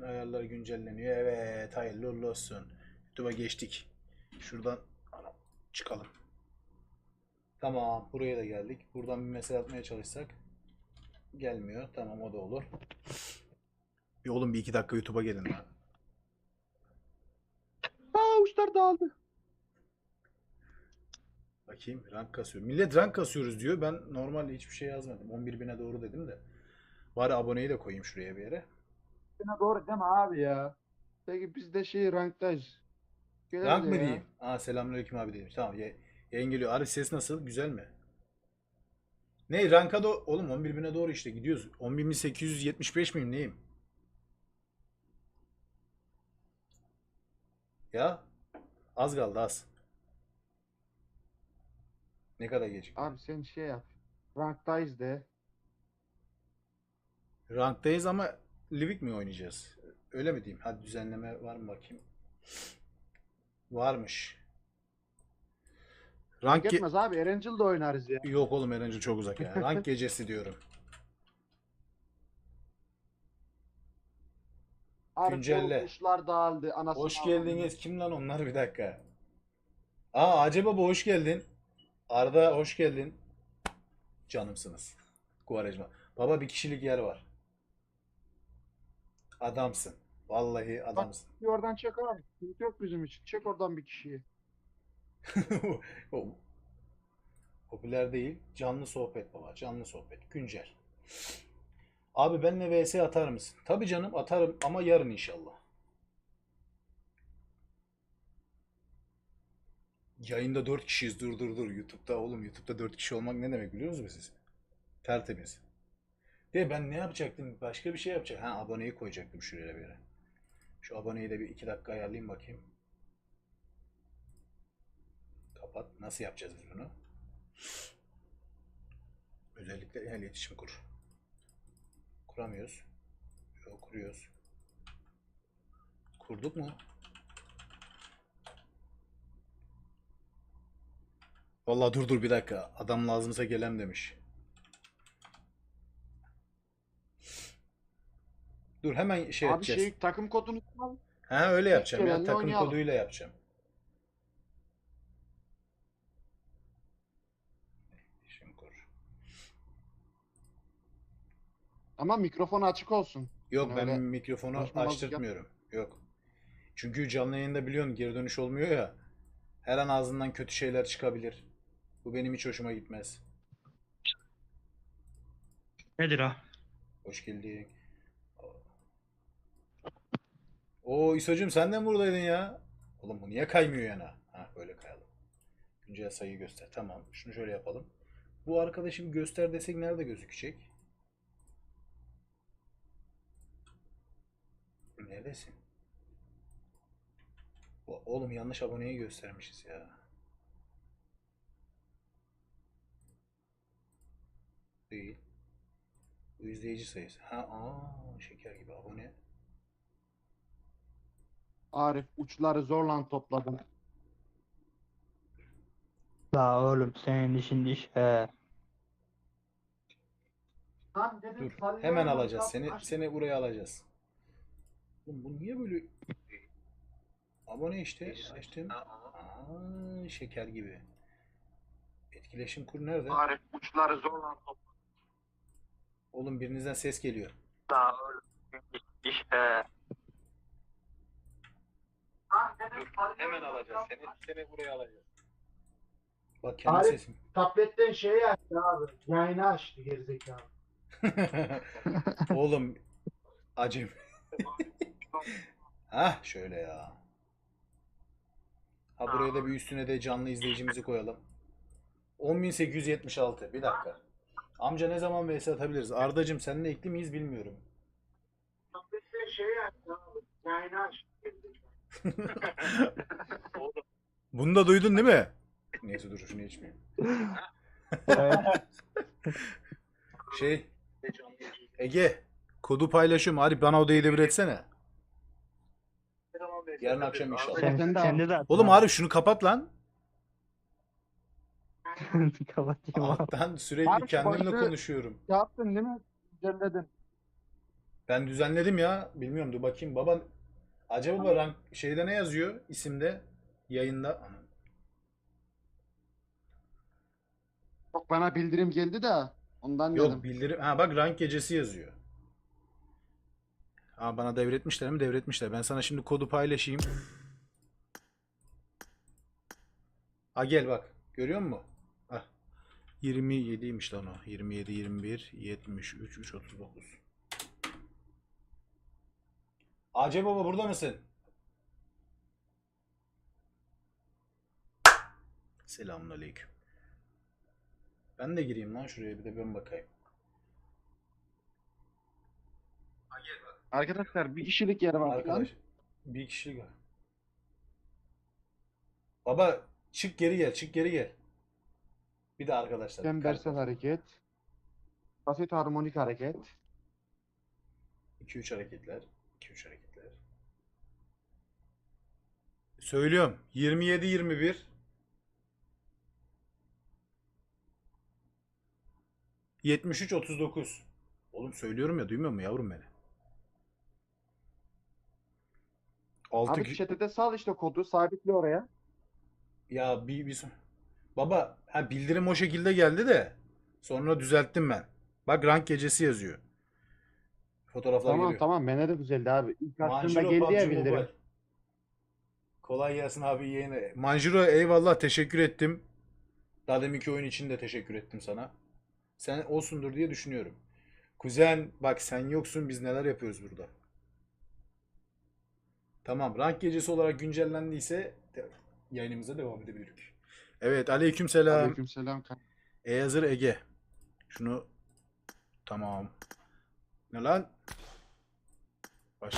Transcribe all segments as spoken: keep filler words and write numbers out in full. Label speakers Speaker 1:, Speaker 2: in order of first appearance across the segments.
Speaker 1: ayarlar güncelleniyor. Evet, hayırlı uğurlu olsun. YouTube'a geçtik. Şuradan anam, çıkalım. Tamam, buraya da geldik. Buradan bir mesaj atmaya çalışsak gelmiyor. Tamam, o da olur. Bir oğlum bir iki dakika YouTube'a gelin lan.
Speaker 2: Aa uçlar dağıldı.
Speaker 1: Bakayım, rank kasıyor. Millet rank kasıyoruz diyor. Ben normalde hiçbir şey yazmadım. on bir bine doğru dedim de. Bari aboneyi de koyayım şuraya bir yere.
Speaker 2: Yine doğru değil mi abi ya? Peki biz de şey ranktayız. Gel
Speaker 1: Rank
Speaker 2: de
Speaker 1: mı
Speaker 2: ya.
Speaker 1: diyeyim? Aa, selamünaleyküm abi dedim. Tamam, ya- yayın geliyor. Abi ses nasıl? Güzel mi? Ne ranka da oğlum on bir bine doğru işte gidiyoruz. on bir bin sekiz yüz yetmiş beş miyim neyim? Ya az kaldı az. Ne kadar gecikti?
Speaker 2: Abi sen şey yap. Ranktayız de.
Speaker 1: Ranktayız ama Livik mi oynayacağız? Öyle mi diyeyim? Hadi düzenleme var mı bakayım. Varmış.
Speaker 2: Fark
Speaker 1: Rank ge-
Speaker 2: etmez abi. Erencil'de oynarız ya.
Speaker 1: Yok oğlum, Erencil çok uzak ya. Rank gecesi diyorum.
Speaker 2: Arif oğlum
Speaker 1: Güncelle.
Speaker 2: uçlar dağıldı. Anasını
Speaker 1: Hoş
Speaker 2: avradını.
Speaker 1: geldiniz. Kim lan onlar, bir dakika. Aa, Acaba Baba hoş geldin. Arda hoş geldin. Canımsınız. Kuvarajma. Baba bir kişilik yer var. Adamsın. Vallahi
Speaker 2: Bak
Speaker 1: adamsın.
Speaker 2: bir oradan çek abi. Sıkıntı yok bizim için. Çek oradan bir kişiyi.
Speaker 1: O popüler değil. Canlı sohbet baba. Canlı sohbet. Güncel. Abi benle V S atar mısın? Tabii canım, atarım ama yarın inşallah. Yayında dört kişiyiz. Dur dur dur. YouTube'da oğlum, YouTube'da dört kişi olmak ne demek biliyor musunuz siz? Tertemiz. De ben ne yapacaktım? Başka bir şey yapacaktım. Ha, aboneyi koyacaktım şuraya bir yere. Şu aboneyi de bir iki dakika ayarlayayım bakayım. Kapat. Nasıl yapacağız biz bunu? Özellikle el iletişim kur. Kuramıyoruz. Yok, kuruyoruz. Kurduk mu? Vallahi dur dur bir dakika. Adam lazımsa gelem demiş. Dur hemen şey
Speaker 2: Abi
Speaker 1: edeceğiz.
Speaker 2: şey takım kodunu al.
Speaker 1: Ha, öyle
Speaker 2: İlk
Speaker 1: yapacağım ya.
Speaker 2: gelenle
Speaker 1: Takım
Speaker 2: oynayalım.
Speaker 1: koduyla yapacağım. Şimdi kur.
Speaker 2: Ama mikrofon açık olsun.
Speaker 1: Yok,
Speaker 2: Yani
Speaker 1: ben
Speaker 2: öyle
Speaker 1: mikrofonu
Speaker 2: konuşmamazlık yap.
Speaker 1: açtırtmıyorum. Yok. Çünkü canlı yayında biliyorsun geri dönüş olmuyor ya. Her an ağzından kötü şeyler çıkabilir. Bu benim hiç hoşuma gitmez.
Speaker 3: Nedir o?
Speaker 1: Hoş geldin. Oo İso'cum, sen de mi buradaydın ya? Oğlum bu niye kaymıyor yana? Ha, böyle kayalım. Güncel sayıyı göster. Tamam. Şunu şöyle yapalım. Bu arkadaşım göster desek nerede gözükecek? Neredesin? Oğlum yanlış aboneyi göstermişiz ya. Değil. Bu izleyici sayısı. Ha, aa, şeker gibi abone.
Speaker 2: Arif uçları zorla topladım.
Speaker 3: La oğlum senin işin iş he.
Speaker 2: Lan dedim
Speaker 1: Dur. Hemen
Speaker 2: sallıyorum
Speaker 1: alacağız
Speaker 2: WhatsApp
Speaker 1: seni.
Speaker 2: aç.
Speaker 1: Seni buraya alacağız. Oğlum bu niye böyle abone işte açtım. Aa, şeker gibi. Etkileşim kur nerede?
Speaker 2: Arif uçları zorla topladım.
Speaker 1: Oğlum birinizden ses geliyor.
Speaker 3: La oğlum senin işin iş he.
Speaker 2: Lan dedim sallıyorum
Speaker 1: Hemen alacağız
Speaker 2: WhatsApp
Speaker 1: seni.
Speaker 2: aç.
Speaker 1: Seni buraya alacağız. Bak kendi
Speaker 2: Arif
Speaker 1: sesim.
Speaker 2: tabletten şeyi açtı abi. Yayını açtı gerizekalı.
Speaker 1: Oğlum acım. Hah şöyle ya. Ha, buraya da bir üstüne de canlı izleyicimizi koyalım. on bin sekiz yüz yetmiş altı. Bir dakika. Amca ne zaman V S atabiliriz? Ardacım seninle ekli miyiz bilmiyorum.
Speaker 2: Tabletten şeyi açtı abi. Yayını açtı gerizekalı.
Speaker 1: Bunu da duydun değil mi? Neyse dur şunu içmeyeyim.
Speaker 3: Evet.
Speaker 1: Şey Ege kodu paylaşıyorum. Arif bana odayı devir etsene. Yarın akşam inşallah.
Speaker 3: Sen,
Speaker 2: Sen de al.
Speaker 3: sende de at.
Speaker 1: Oğlum Arif şunu kapat lan.
Speaker 3: Kapatayım abi.
Speaker 1: Alttan sürekli
Speaker 2: Arif,
Speaker 1: kendimle
Speaker 2: başlığı-
Speaker 1: konuşuyorum.
Speaker 2: Yaptın değil mi? Düzenledin.
Speaker 1: Ben düzenledim ya. Bilmiyorum, dur bakayım. Baba acaba rank şeyde ne yazıyor isimde? Yayında. Anam.
Speaker 2: Çok bana bildirim geldi de ondan
Speaker 1: Yok
Speaker 2: dedim.
Speaker 1: bildirim. Ha bak, rank gecesi yazıyor. Ha, bana devretmişler mi? Devretmişler. Ben sana şimdi kodu paylaşayım. Ha gel bak. Görüyor musun? Ah. yirmi yediymiş lan o. yirmi yedi, yirmi bir, yetmiş üç, üç otuz dokuz. Ace baba burada mısın? Selamünaleyküm. Ben de gireyim lan şuraya, bir de ben bakayım. Ha gel bak.
Speaker 2: Arkadaşlar bir kişilik yer var şu an.
Speaker 1: Arkadaş bir kişilik var. Baba çık geri gel, çık geri gel. Bir de arkadaşlar.
Speaker 2: Çembersel hareket. Basit harmonik hareket.
Speaker 1: iki üç hareketler. iki üç hareketler. Söylüyorum. yirmi yedi yirmi bir. yetmiş üç otuz dokuz. Oğlum söylüyorum ya, duymuyor mu yavrum beni? altı
Speaker 2: Abi chat'e sal işte kodu sabitle oraya.
Speaker 1: ya bir, bir son- Baba ha, bildirim o şekilde geldi de sonra düzelttim ben. Bak rank gecesi yazıyor. Fotoğraflar
Speaker 2: Tamam
Speaker 1: geliyor.
Speaker 2: tamam bana da güzeldi abi. İlk aslında
Speaker 1: Manjuro
Speaker 2: geldi ya
Speaker 1: PUBG
Speaker 2: bildirim.
Speaker 1: Mobile. Kolay gelsin abi yeğene. Manjuro eyvallah, teşekkür ettim. Daha deminki oyun için de teşekkür ettim sana. Sen olsundur diye düşünüyorum. Kuzen bak, sen yoksun, biz neler yapıyoruz burada. Tamam, rank gecesi olarak güncellendiyse de- yayınımıza devam edebiliriz. Evet, aleykümselam.
Speaker 2: Aleykümselam.
Speaker 1: E hazır Ege. Şunu tamam. Ne lan? Başla.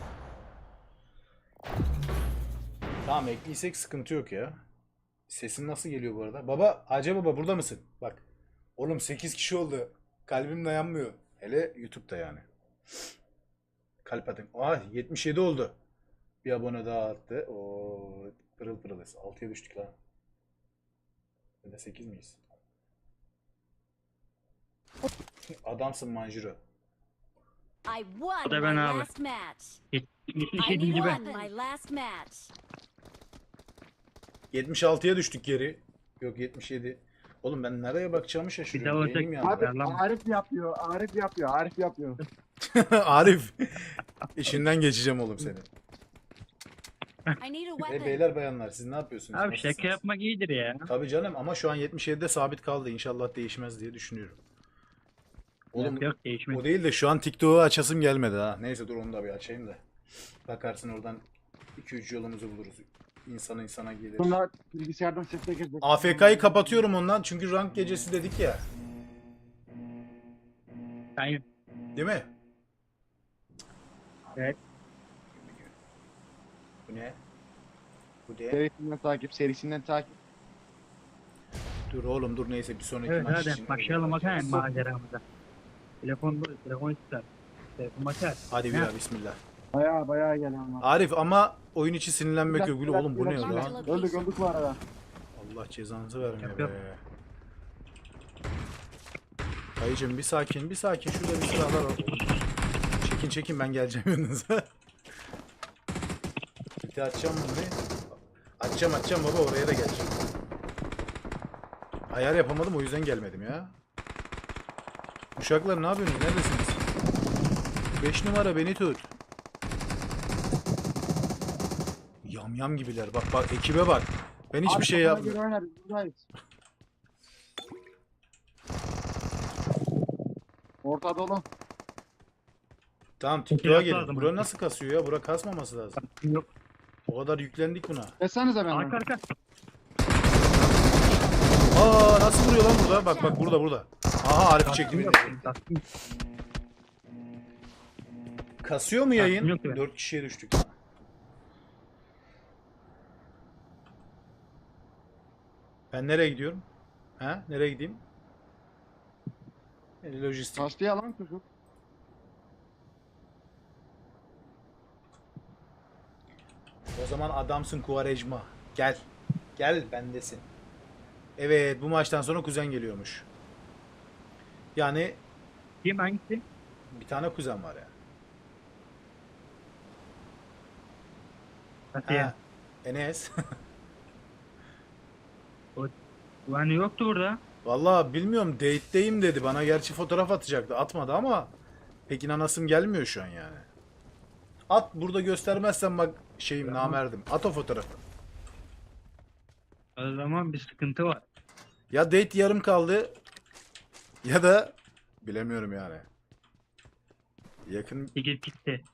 Speaker 1: Tamam, ekliysek sıkıntı yok ya. Sesin nasıl geliyor bu arada? Baba, Hacı baba burada mısın? Bak. Oğlum sekiz kişi oldu. Kalbim dayanmıyor. Hele YouTube'da yani. Kalp atın. Aa yetmiş yedi oldu. Bir abone daha arttı. Oo pırıl pırılız. altıya düştük lan. Ya da sekiz miyiz? Adamsın Manjuro.
Speaker 4: I won
Speaker 3: O da
Speaker 4: my
Speaker 3: ben abi.
Speaker 4: last match.
Speaker 3: yetmiş
Speaker 4: I
Speaker 3: yedinci ben.
Speaker 4: won my last match.
Speaker 1: yetmiş altıya düştük geri. Yok yetmiş yedi. Oğlum ben nereye bakacağımı
Speaker 3: Bir
Speaker 1: şaşırıyorum.
Speaker 3: daha
Speaker 1: Beynim
Speaker 3: ötek-
Speaker 1: yandı.
Speaker 2: Abi
Speaker 3: Ayarlama.
Speaker 2: Arif yapıyor. Arif yapıyor. Arif yapıyor.
Speaker 1: Arif. İşinden geçeceğim oğlum seni.
Speaker 4: I need a
Speaker 1: E
Speaker 4: weapon.
Speaker 1: beyler bayanlar, siz ne yapıyorsunuz?
Speaker 3: Abi
Speaker 1: Nasılsınız?
Speaker 3: şaka yapmak iyidir ya.
Speaker 1: Tabii canım, ama şu an yetmiş yedide sabit kaldı. İnşallah değişmez diye düşünüyorum. Oğlum
Speaker 3: Yok yok değişmez.
Speaker 1: o değil de şu an TikTok'u açasım gelmedi ha. Neyse dur onu da bir açayım da. Bakarsın oradan iki üç yolumuzu buluruz. İnsan insana gelir.
Speaker 2: Bunlar bilgisayardan sesle gelecek.
Speaker 1: A F K'yı kapatıyorum ondan çünkü rank gecesi dedik ya.
Speaker 3: Aynen.
Speaker 1: Değil mi?
Speaker 3: Evet.
Speaker 1: Bu ne? Bu ne?
Speaker 2: Serisinden takip, serisinden takip.
Speaker 1: Dur oğlum dur, neyse bir sonraki
Speaker 3: Evet
Speaker 1: maç
Speaker 3: hadi
Speaker 1: için.
Speaker 3: başlayalım bakalım maceramıza. Telefon telefon ister. Telefon açar.
Speaker 1: Hadi bir
Speaker 3: Ha.
Speaker 1: daha bismillah.
Speaker 2: Baya baya gelen var.
Speaker 1: Arif ama oyun içi sinirlenmek yok. Gül oğlum bu ne
Speaker 2: Biraz-
Speaker 1: lan?
Speaker 4: lan?
Speaker 2: Öldük öldük bu arada.
Speaker 1: Allah cezanızı vermiyor
Speaker 3: Yap,
Speaker 1: be.
Speaker 3: yap.
Speaker 1: Dayıcım bir sakin bir sakin, şurada bir silahlar var. Çekin çekin, ben geleceğim yanınıza. Bitti açacağım bunu. Açacağım açacağım baba, oraya da geleceğim. Ayar yapamadım, o yüzden gelmedim ya. Uşaklar ne yapıyorsunuz? Neredesiniz? beş numara beni tut. Yam yam gibiler. Bak bak ekibe bak. Ben hiçbir
Speaker 2: Abi
Speaker 1: şey
Speaker 2: kafana
Speaker 1: yapmıyorum.
Speaker 2: göre oynarız, buradayız. Orta dolu.
Speaker 1: Tamam TikTok'a
Speaker 3: Biraz
Speaker 1: gelin.
Speaker 3: lazım
Speaker 1: Bura
Speaker 3: artık.
Speaker 1: nasıl kasıyor ya? Bura kasmaması lazım.
Speaker 3: Yok.
Speaker 1: O kadar yüklendik buna.
Speaker 2: Desenize ben.
Speaker 3: Arka arka.
Speaker 1: Aa nasıl vuruyor lan burada? Bak bak burada burada. Aha Arif çekti beni.
Speaker 3: Yok. Tatlım.
Speaker 1: Kasıyor mu yayın?
Speaker 3: Yok be.
Speaker 1: dört kişiye düştük. Ben nereye gidiyorum? Ha? Nereye gideyim? E, Lojistik.
Speaker 2: Kastı yalan çocuk.
Speaker 1: O zaman adamsın Kuvarejma. Gel. Gel bendesin. Evet bu maçtan sonra kuzen geliyormuş. Yani
Speaker 3: Kim hangisi?
Speaker 1: bir tane kuzen var ya.
Speaker 3: Nasıl ya?
Speaker 1: Ha, Enes.
Speaker 3: Güvenli yoktu burada.
Speaker 1: Vallahi bilmiyorum, date'deyim dedi. Bana gerçi fotoğraf atacaktı. Atmadı ama pek inanasım gelmiyor şu an yani. At, burada göstermezsen bak şeyim,
Speaker 3: Tamam.
Speaker 1: namerdim. At o fotoğrafı.
Speaker 3: O zaman bir sıkıntı var.
Speaker 1: Ya date yarım kaldı ya da bilemiyorum yani. Yakın
Speaker 3: Gidip gitti.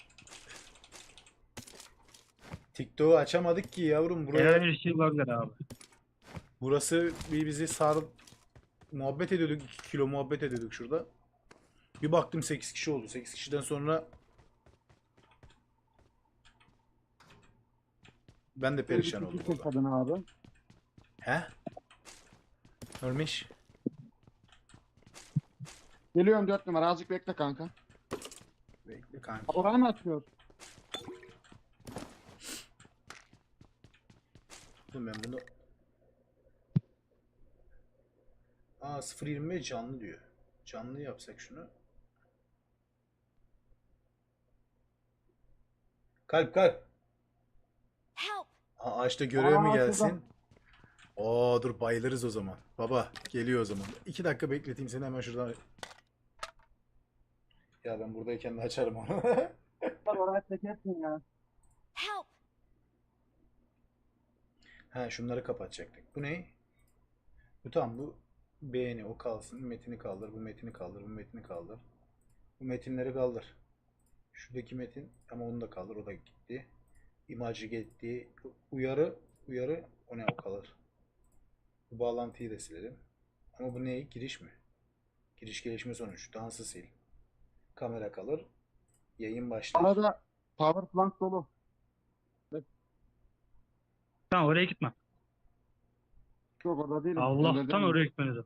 Speaker 1: TikTok'u açamadık ki yavrum. Buraya,
Speaker 3: Herhangi bir şey olabilir abi.
Speaker 1: burası bir bizi sar, muhabbet ediyorduk. iki kilo muhabbet ediyorduk şurada. Bir baktım sekiz kişi oldu. sekiz kişiden sonra ben de perişan oldum orada.
Speaker 2: Kadın abi.
Speaker 1: He? Ölmüş.
Speaker 2: Geliyorum dört numara. Azıcık bekle kanka.
Speaker 1: Bekle kanka.
Speaker 2: Orayı mı açıyor?
Speaker 1: Dur ben bunu... Aa, sıfır yirmi beş canlı diyor. Canlı yapsak şunu. Kalp kalp.
Speaker 4: Help!
Speaker 1: Aa, ağaçta görev mi
Speaker 2: Aa,
Speaker 1: gelsin?
Speaker 2: şuradan.
Speaker 1: Oo dur, bayılırız o zaman. Baba geliyor o zaman. İki dakika bekleteyim seni, hemen şuradan. Ya ben buradayken de açarım onu.
Speaker 2: Oraya çekersin ya.
Speaker 4: Help!
Speaker 1: Ha, şunları kapatacaktık. Bu ne? Bu tamam, bu beğeni, o kalsın. Metini kaldır, bu metini kaldır, bu metini kaldır. Bu metinleri kaldır. Şuradaki metin ama onu da kaldır, o da gitti. İmajı gitti. Uyarı, uyarı, o ne, o kalır. Bu bağlantıyı da silelim. Ama bu ne? Giriş mi? Giriş gelişme sonuç. Dansı sil. Kamera kalır. Yayın başlar.
Speaker 2: Arada power plant dolu.
Speaker 3: Tamam oraya gitme.
Speaker 2: Yok orada değilim.
Speaker 3: Allah'tan
Speaker 2: Evlerdeyim.
Speaker 3: oraya gitmeniz.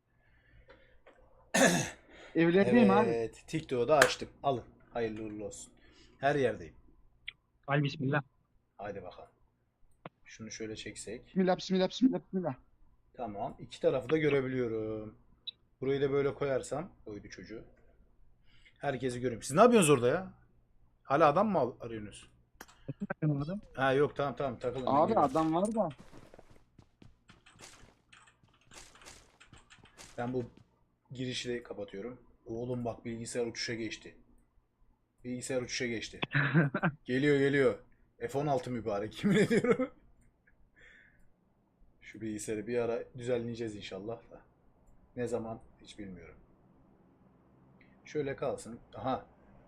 Speaker 2: Evlerdeyim abi.
Speaker 1: Evet. TikTok'u da açtım. Alın. Hayırlı uğurlu olsun. Her yerdeyim.
Speaker 3: Al bismillah.
Speaker 1: Haydi bakalım. Şunu şöyle çeksek.
Speaker 2: Bismillah bismillah bismillah bismillah.
Speaker 1: Tamam. İki tarafı da görebiliyorum. Burayı da böyle koyarsam. Oydu çocuğu. Herkesi görüyorum. Siz ne yapıyorsunuz orada ya? Hala adam mı al- arıyorsunuz?
Speaker 3: Bakın adam.
Speaker 1: Ha yok, tamam tamam, takılın. ben
Speaker 2: Abi
Speaker 1: geliyorum.
Speaker 2: adam var da.
Speaker 1: Ben bu girişi de kapatıyorum. Oğlum bak, bilgisayar uçuşa geçti. Bilgisayar uçuşa geçti. Geliyor geliyor. F on altı mübarek, yemin ediyorum. Şu bilgisayarı bir ara düzenleyeceğiz inşallah da. Ne zaman hiç bilmiyorum. Şöyle kalsın. Aha.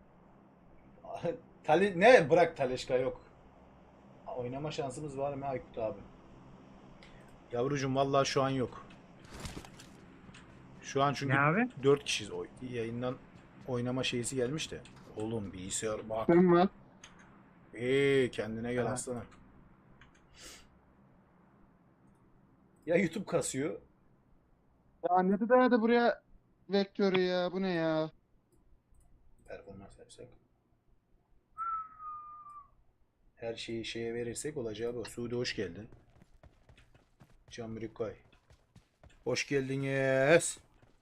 Speaker 1: Tali ne, bırak Taleşka yok. Oynama şansımız var mı Aykut abi? Yavrucuğum vallahi şu an yok. Şu an çünkü
Speaker 3: Ne abi?
Speaker 1: dört kişiyiz. O yayından oynama şeysi gelmiş de. Oğlum bilgisayar bak.
Speaker 2: Sen var.
Speaker 1: Eee kendine gel
Speaker 3: Ha.
Speaker 1: aslanım. Ya YouTube kasıyor.
Speaker 2: Ya ne de dayadı buraya vektörü ya. Bu ne ya?
Speaker 1: Performans yapsak. Her şeyi şeye verirsek olacağı bu. Suudi hoş geldin. Can Brikay. Hoş geldiniz.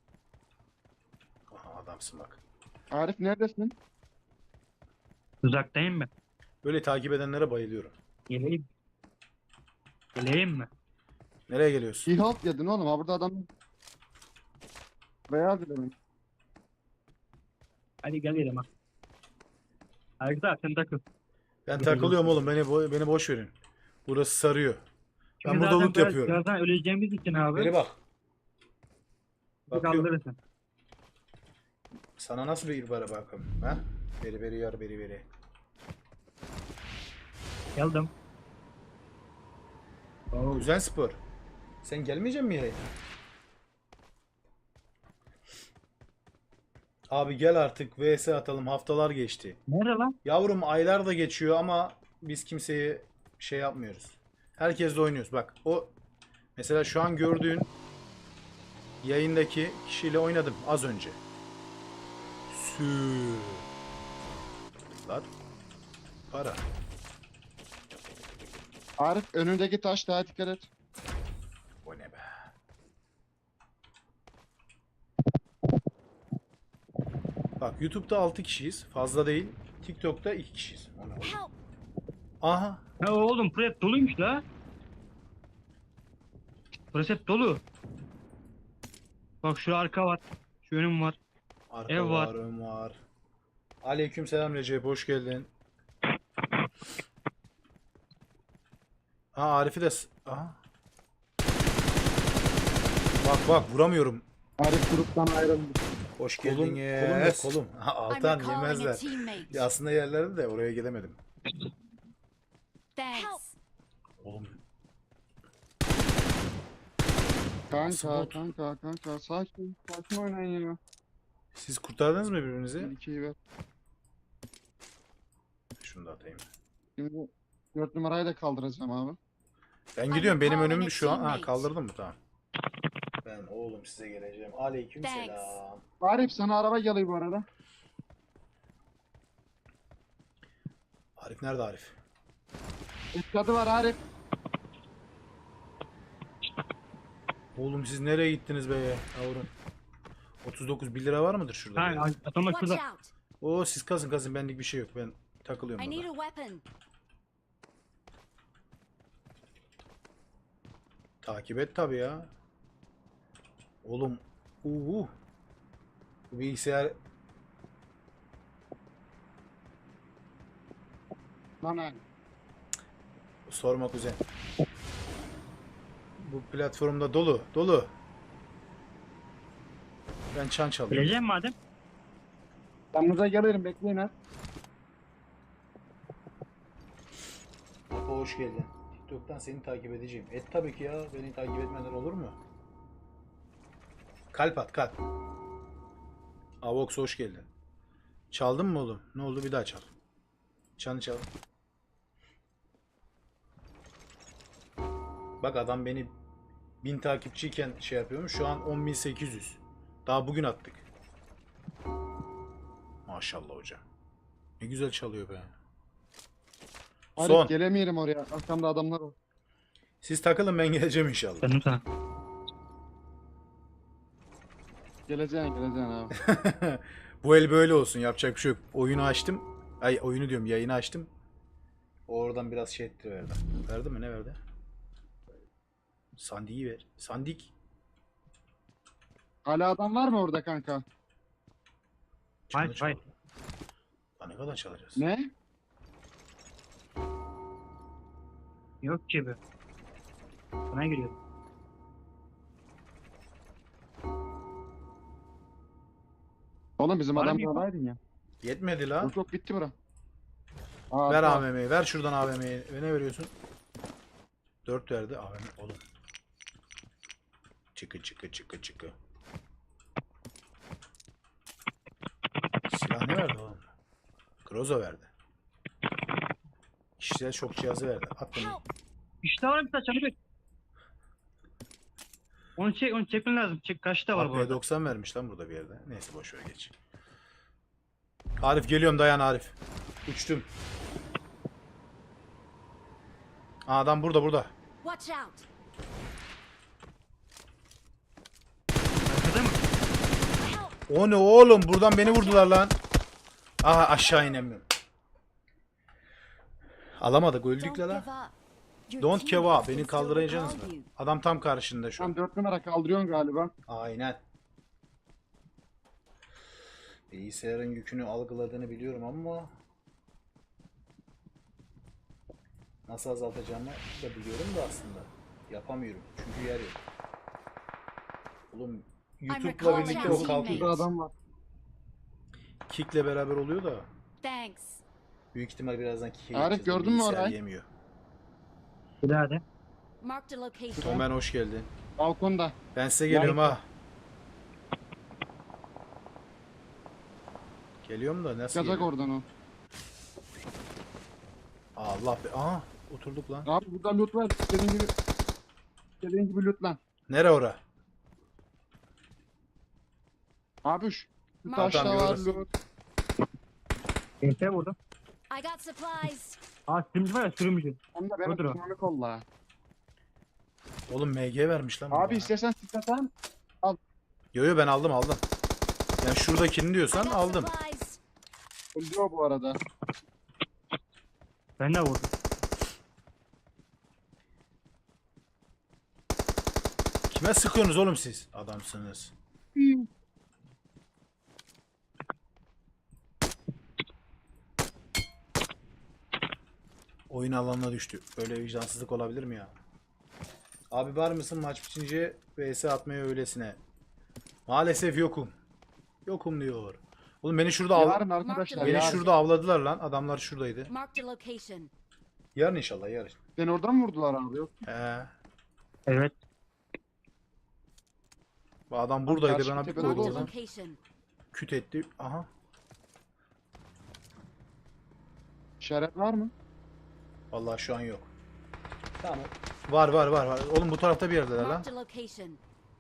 Speaker 1: Aha, adamsın bak.
Speaker 2: Arif neredesin?
Speaker 3: Uzaktayım ben.
Speaker 1: Böyle takip edenlere bayılıyorum.
Speaker 3: Geleyim. Geleyim mi?
Speaker 1: Nereye geliyorsun?
Speaker 2: İyi halt yedin oğlum. Ha burada adam. Beyaz dedim.
Speaker 3: Hadi gel gidelim ha. Arkadaşlar sen takıl.
Speaker 1: Ben takılıyorum oğlum. Beni bo- beni boş verin. Burası sarıyor. Ben
Speaker 3: Şimdi
Speaker 1: burada
Speaker 3: zaten
Speaker 1: loot
Speaker 3: biraz-
Speaker 1: yapıyorum.
Speaker 3: Birazdan öleceğimiz için abi.
Speaker 1: Beri bak.
Speaker 3: Bir
Speaker 1: Bakıyorum.
Speaker 3: kaldırırsın.
Speaker 1: Sana nasıl bir bara bakalım? Ha? Beri beri yar beri beri.
Speaker 3: Geldim. Oo.
Speaker 1: Güzel spor. Sen gelmeyecek misin yayına? Abi gel artık, V S atalım, haftalar geçti.
Speaker 3: Nerede lan?
Speaker 1: Yavrum aylar da geçiyor ama biz kimseye şey yapmıyoruz. Herkesle oynuyoruz. Bak o mesela şu an gördüğün yayındaki kişiyle oynadım az önce. Sü. Lan. Para.
Speaker 2: Arif önündeki taş daha dikkat et.
Speaker 1: O ne be. Bak YouTube'da altı kişiyiz. Fazla değil. TikTok'ta iki kişiyiz. O ne oğlum?
Speaker 4: Help!
Speaker 1: Aha.
Speaker 3: Ha oğlum prep doluymuş la. Prep dolu. Bak şu arka var. Şu önüm var.
Speaker 1: Arka
Speaker 3: Ev var.
Speaker 1: var, ön var. Aleykümselam Recep, hoş geldin. Ha Arif'i de... s- Aha. Bak bak vuramıyorum.
Speaker 2: Arif gruptan ayrıldı.
Speaker 1: Hoş
Speaker 2: Kolum-
Speaker 1: geldiniz.
Speaker 2: kolum yok.
Speaker 1: Kolum. Ha,
Speaker 4: I'm
Speaker 1: Altan
Speaker 4: recalling a
Speaker 1: yemezler.
Speaker 4: teammate.
Speaker 1: Ya aslında yerlerdi de oraya gidemedim.
Speaker 4: Thanks.
Speaker 1: Oğlum
Speaker 2: Kanka
Speaker 1: Smooth.
Speaker 2: kanka kanka sakin sakin oynayın ya.
Speaker 1: siz kurtardınız mı birbirinizi?
Speaker 2: İkiyi ver.
Speaker 1: Şunu da atayım.
Speaker 2: Şimdi dört numarayı da kaldıracağım abi.
Speaker 1: Ben gidiyorum. Benim
Speaker 4: calling
Speaker 1: önüm
Speaker 4: a
Speaker 1: şu an. Ha
Speaker 4: teammate.
Speaker 1: kaldırdım mı? Tamam. Ben oğlum size geleceğim. Aleykümselam.
Speaker 4: Thanks.
Speaker 2: Arif sana araba geliyor bu arada.
Speaker 1: Arif nerede Arif?
Speaker 2: Etkadı var Arif.
Speaker 1: Oğlum siz nereye gittiniz be yavrum? otuz dokuz bir lira var mıdır şurada? bir
Speaker 3: Ha
Speaker 1: yerde?
Speaker 3: atama
Speaker 4: Watch
Speaker 3: şurada.
Speaker 4: out.
Speaker 1: Oo siz kazın kazın, benlik bir şey yok. Ben takılıyorum
Speaker 4: I need
Speaker 1: burada.
Speaker 4: a weapon.
Speaker 1: Takip et tabi ya. Oğlum. Uhu. Bu bilgisayar
Speaker 2: Lan abi.
Speaker 1: sorma kuzen. Bu platformda dolu. Dolu. Ben çan çalıyorum.
Speaker 3: Geleceğim madem.
Speaker 2: Yanınıza gelirim bekleyin ha.
Speaker 1: Apo hoş geldin. TikTok'tan seni takip edeceğim. Et tabii ki ya. Beni takip etmeden olur mu? Kalp at kalp. Avox hoş geldin. Çaldın mı oğlum? Ne oldu, bir daha çal. Çanı çal. Bak adam beni bin takipçiyken şey yapıyormuş. Şu an on bin sekiz yüz. Daha bugün attık. Maşallah hocam. Ne güzel çalıyor be.
Speaker 2: Arif
Speaker 1: Son.
Speaker 2: gelemeyelim oraya. Arkamda adamlar var.
Speaker 1: Siz takılın, ben geleceğim inşallah.
Speaker 3: Döndüm sana.
Speaker 2: Geleceksin geleceksin abi.
Speaker 1: Bu el böyle olsun, yapacak bir şey yok. Oyunu açtım. Ay oyunu diyorum, yayını açtım. O oradan biraz şey etti verdi. Verdi mi, ne verdi? Sandiği ver. Sandik.
Speaker 2: Hala adam var mı orada kanka?
Speaker 1: Çanı
Speaker 3: Hayır,
Speaker 1: çal.
Speaker 3: hayır.
Speaker 1: Lan ne kadar çalacağız?
Speaker 2: Ne?
Speaker 3: Yok ki be. Sana giriyorum.
Speaker 2: Oğlum bizim
Speaker 3: Bana
Speaker 2: adam
Speaker 3: bir-
Speaker 2: buradaydın ya.
Speaker 1: Yetmedi la.
Speaker 2: Yok yok bitti bura. Aa,
Speaker 1: Ver
Speaker 2: tamam.
Speaker 1: A V M'yi. Ver şuradan A V M'yi. Ne veriyorsun? dört verdi A V M. Oğlum. Çıkı çıkı çıkı çıkı. Silah ne verdi oğlum? Groza verdi. Kişisel şok cihazı verdi. At bunu.
Speaker 4: Help.
Speaker 3: İşte var bir tane çabuk. Onu çek, onu çekmen lazım. Çek kaçta var bu
Speaker 1: P
Speaker 3: arada?
Speaker 1: doksan vermiş lan burada bir yerde. Neyse boş ver geç. Arif geliyorum, dayan Arif. Uçtum. Aa, adam burada burada.
Speaker 4: Watch out.
Speaker 3: Arkada mı?
Speaker 4: Help.
Speaker 1: O ne oğlum, buradan beni vurdular lan. Aha aşağı inemiyorum. Alamadık, öldük
Speaker 4: Don't
Speaker 1: la
Speaker 4: give
Speaker 1: la.
Speaker 4: up. Your
Speaker 1: Don't give
Speaker 4: teammates
Speaker 1: up. Beni
Speaker 4: can still
Speaker 1: kaldıracaksınız
Speaker 4: recall
Speaker 1: mı?
Speaker 4: you.
Speaker 1: Adam tam karşında şu
Speaker 2: Tam
Speaker 1: an.
Speaker 2: dört numara kaldırıyorsun galiba.
Speaker 1: Aynen. Bilgisayarın yükünü algıladığını biliyorum ama nasıl azaltacağımı da biliyorum da aslında yapamıyorum çünkü yer yok. Oğlum YouTube'la
Speaker 4: recalling
Speaker 1: birlikte
Speaker 4: our
Speaker 1: o
Speaker 2: Burada
Speaker 1: kalkıyor.
Speaker 2: adam var.
Speaker 1: Kick'le beraber oluyor da
Speaker 4: Thanks.
Speaker 1: büyük ihtimal birazdan kick'e
Speaker 2: Arif,
Speaker 1: geçeceğiz.
Speaker 2: gördün mü
Speaker 1: Bilgisayar
Speaker 2: orayı?
Speaker 1: yemiyor.
Speaker 3: Bir daha de.
Speaker 4: Marked a location.
Speaker 1: Tom, ben hoş geldin.
Speaker 2: Balkonda.
Speaker 1: Ben size geliyorum ha. Geliyorum da nasıl
Speaker 2: Çıkacak
Speaker 1: geliyorum?
Speaker 2: oradan o.
Speaker 1: Allah be. Aha oturduk lan.
Speaker 2: Abi burada loot var. İstediğin gibi. İstediğin gibi loot lan.
Speaker 1: Nere ora?
Speaker 2: Abi şu. Şu
Speaker 4: Tamam,
Speaker 2: taşta var
Speaker 1: görürüz.
Speaker 2: loot.
Speaker 3: Ente vurdum.
Speaker 4: I got supplies.
Speaker 3: Aa sürümcü var ya sürümcü.
Speaker 2: Hem de benim
Speaker 3: Odur o.
Speaker 2: dinamik kolla.
Speaker 1: Oğlum M G vermiş lan. bu
Speaker 2: Abi
Speaker 1: bana.
Speaker 2: istersen sıkatan.
Speaker 1: Yo yo ben aldım aldım. Yani şuradakini
Speaker 4: I
Speaker 1: diyorsan
Speaker 4: got
Speaker 1: aldım.
Speaker 4: supplies.
Speaker 2: Öldürüyor bu arada.
Speaker 3: Ben de vurdum.
Speaker 1: Kime sıkıyorsunuz oğlum siz? Adamsınız. Oyun alanına düştü. Böyle vicdansızlık olabilir mi ya? Abi var mısın maç bitince V S atmaya öylesine? Maalesef yokum. Yokum diyor. Oğlum beni şurada av
Speaker 2: Yarın arkadaşlar
Speaker 1: beni
Speaker 2: yarın.
Speaker 1: şurada avladılar lan. Adamlar şuradaydı.
Speaker 4: Marked a location.
Speaker 1: Yarın inşallah yarın.
Speaker 2: Beni oradan mı vurdular abi? Yok.
Speaker 1: He.
Speaker 3: Evet.
Speaker 1: Bu adam buradaydı.
Speaker 2: karşı
Speaker 1: Bana bir
Speaker 2: tepede
Speaker 1: koydu
Speaker 4: Marked a
Speaker 2: doğru.
Speaker 1: oradan.
Speaker 4: location.
Speaker 1: Küt etti. Aha.
Speaker 2: İşaret var mı?
Speaker 1: Vallahi şu an yok. Tamam. Var var var var. Oğlum bu tarafta bir yerdeler lan.
Speaker 4: Marked a location.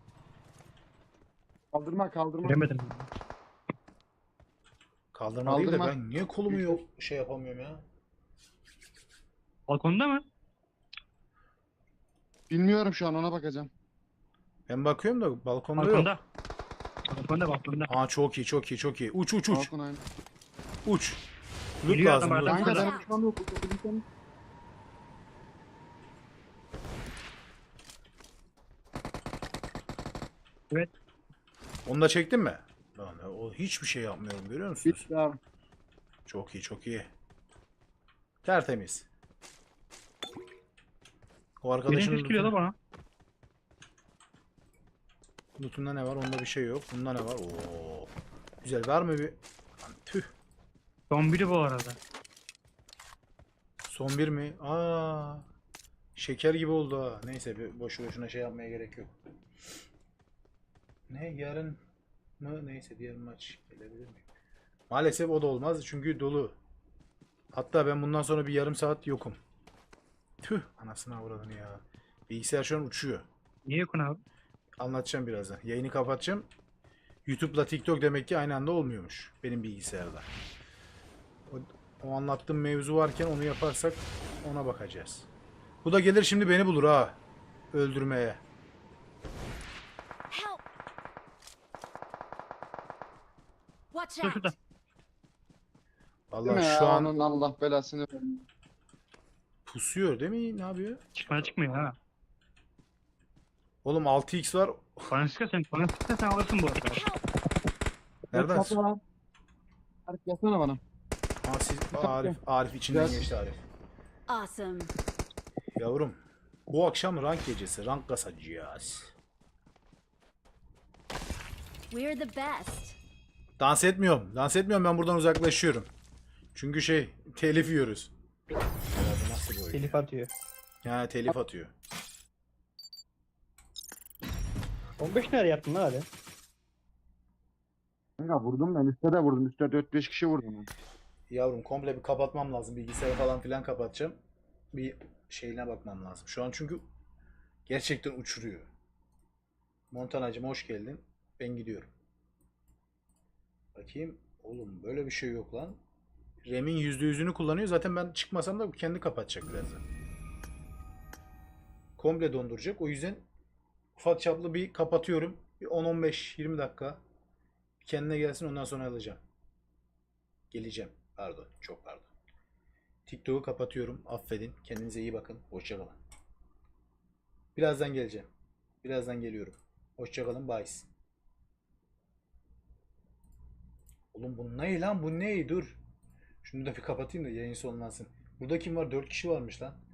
Speaker 2: Kaldırma kaldırma.
Speaker 3: Göremedim.
Speaker 1: Kaldırma değil de
Speaker 2: Kaldırma.
Speaker 1: ben niye kolumu yok şey yapamıyorum ya.
Speaker 3: Balkonda mı?
Speaker 2: Bilmiyorum şu an ona bakacağım.
Speaker 1: Ben bakıyorum da balkonda yok.
Speaker 3: Balkonda. Balkonda balkonda.
Speaker 1: Aa çok iyi çok iyi çok iyi. Uç uç uç.
Speaker 2: Balkon aynı.
Speaker 1: Uç. Loot
Speaker 3: Geliyor
Speaker 1: lazım.
Speaker 3: adam
Speaker 1: loot.
Speaker 3: arkadan.
Speaker 2: Kanka
Speaker 3: Şurada.
Speaker 2: benim şu an yok. Bakabilirsem.
Speaker 3: Evet.
Speaker 1: Onu da çektin mi? Lan o hiçbir şey yapmıyorum görüyor musunuz?
Speaker 2: Bitti abi.
Speaker 1: Çok iyi çok iyi. Tertemiz. O
Speaker 3: Birinin
Speaker 1: arkadaşın
Speaker 3: ses geliyor da bana.
Speaker 1: lootunda ne var? Onda bir şey yok. Bunda ne var? Oo. Güzel. Var mı bir? Lan tüh.
Speaker 3: Son biri bu arada.
Speaker 1: Son bir mi? Aa. Şeker gibi oldu ha. Neyse bir boşu boşuna şey yapmaya gerek yok. Ne yarın mı? Neyse diğer maç gelebilir mi? Maalesef o da olmaz çünkü dolu. Hatta ben bundan sonra bir yarım saat yokum. Tüh anasını avradını ya. Bilgisayar şu an uçuyor.
Speaker 3: Niye yokun abi?
Speaker 1: Anlatacağım birazdan. Yayını kapatacağım. YouTube'la TikTok demek ki aynı anda olmuyormuş benim bilgisayarda. O, o anlattığım mevzu varken onu yaparsak ona bakacağız. Bu da gelir şimdi beni bulur ha. Öldürmeye.
Speaker 4: Help! Watch
Speaker 3: Şurada
Speaker 4: out!
Speaker 3: şurada.
Speaker 2: Değil
Speaker 1: Vallahi
Speaker 2: mi ya?
Speaker 1: şu an
Speaker 2: Onun Allah belasını versin.
Speaker 1: pusuyor değil mi? Ne yapıyor?
Speaker 3: Çıkmaya çıkmıyor ha.
Speaker 1: Oğlum altı x var.
Speaker 3: Bana sıkı sen, bana sıkı sen alırsın bu arada.
Speaker 4: Help!
Speaker 1: Nereden?
Speaker 2: Kapı var. Arif yazsana bana.
Speaker 1: Ha, siz, Arif, Arif içinden
Speaker 2: Biraz-
Speaker 1: geçti Arif.
Speaker 4: Awesome.
Speaker 1: Yavrum, bu akşam rank gecesi, rank kasacağız.
Speaker 4: We're the best.
Speaker 1: Dans etmiyorum, dans etmiyorum ben buradan uzaklaşıyorum. Çünkü şey, telif yiyoruz. Herhalde nasıl bir oyun?
Speaker 5: Telif atıyor.
Speaker 1: Ya telif atıyor.
Speaker 5: on beş nerede yaptın lan hadi?
Speaker 2: Kanka vurdum ben. Üstte de vurdum. Üstte dört beş kişi vurdum.
Speaker 1: Yavrum komple bir kapatmam lazım. Bilgisayarı falan filan kapatacağım. Bir şeyine bakmam lazım. Şu an çünkü gerçekten uçuruyor. Montanacım hoş geldin. Ben gidiyorum. Bakayım. Oğlum böyle bir şey yok lan. RAM'in yüzde yüzünü kullanıyor. Zaten ben çıkmasam da kendi kapatacak birazdan. Komple donduracak. O yüzden ufak çaplı bir kapatıyorum. Bir on on beş yirmi dakika. Bir kendine gelsin ondan sonra alacağım. Geleceğim. Pardon. Çok pardon. TikTok'u kapatıyorum. Affedin. Kendinize iyi bakın. Hoşça kalın. Birazdan geleceğim. Birazdan geliyorum. Hoşça kalın. Bye. Oğlum bu ne lan? Bu ne? Dur. Şunu da bir kapatayım da yayın sonlansın. Burada kim var? dört kişi varmış lan.